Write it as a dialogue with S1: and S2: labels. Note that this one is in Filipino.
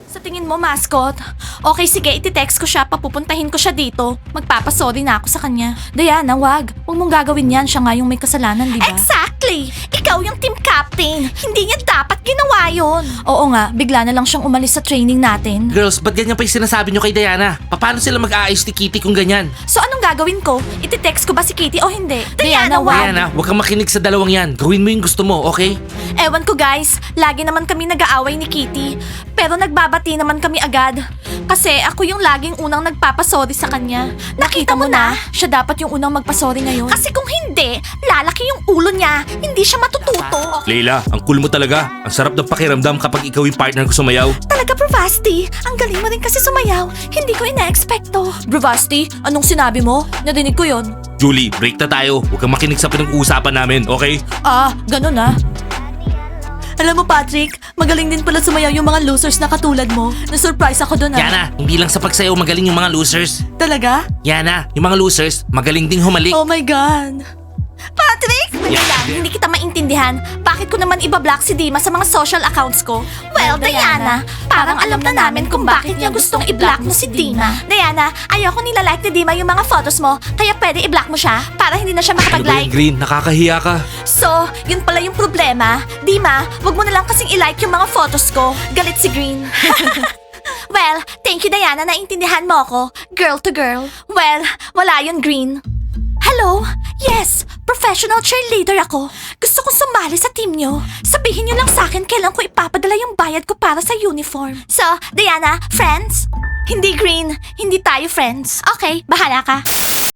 S1: Sa tingin mo, mascot? Okay, sige, iti-text ko siya, papupuntahin ko siya dito. Magpapasorry na ako sa kanya. Diana, wag. Huwag mong gagawin yan, siya nga yung may kasalanan, di ba? Exactly! Ikaw yung team captain. Hindi niya dapat ginawa yun. Oo nga, bigla na lang siyang umalis sa training natin.
S2: Girls, ba't ganyan pa yung sinasabi nyo kay Diana? Paano sila mag-aayos ni Kitty kung ganyan?
S1: So anong gagawin ko? Iti-text ko ba si Kitty o hindi? Diana, wag.
S2: Diana, huwag kang makinig sa dalawang yan. Gawin mo yung gusto mo, okay?
S1: Ewan ko guys, lagi naman kami nag-aaway ni Kitty. Pero nagbabati naman kami agad. Kasi ako yung laging unang nagpapasorry sa kanya. Nakita mo na? Siya dapat yung unang magpasorry ngayon. Kasi kung hindi, lalaki yung ulo niya. Hindi siya matututo.
S2: Leila, ang cool mo talaga. Ang sarap ng pakiramdam kapag ikaw yung partner ko sumayaw.
S1: Talaga, Bravasti. Ang galing mo rin kasi sumayaw. Hindi ko ina-expecto. Bravasti, anong sinabi mo? Narinig ko yon.
S2: Julie, break na tayo. Huwag kang makinig sa pinag-uusapan namin, okay?
S1: Ah, ganun ah. Alam mo, Patrick, magaling din pala sumayaw yung mga losers na katulad mo. Na-surprise ako dun ah.
S2: Yana, hindi lang sa pagsayaw magaling yung mga losers.
S1: Talaga?
S2: Yana, yung mga losers, magaling ding humalik.
S1: Oh my God. Patrick! Ayan, hindi kita maintindihan. Bakit ko naman ibablock si Dima sa mga social accounts ko? Well, Diana, parang alam na namin kung bakit niya gustong i-block mo si Dima. Diana, ayoko nila-like ni Dima yung mga photos mo, kaya pwede i-block mo siya para hindi na siya
S2: Ano ba yung
S1: makapag-like.
S2: Green? Nakakahiya ka.
S1: So, yun pala yung problema. Dima, wag mo na lang kasing i-like yung mga photos ko. Galit si Green. Well, thank you Diana, naintindihan mo ako. Girl to girl. Well, wala yun Green. Hello? Yes, professional cheerleader ako. Gusto kong sumali sa team nyo. Sabihin nyo lang sa akin kailan ko ipapadala yung bayad ko para sa uniform. So, Diana, friends? Hindi Green, hindi tayo friends. Okay, bahala ka.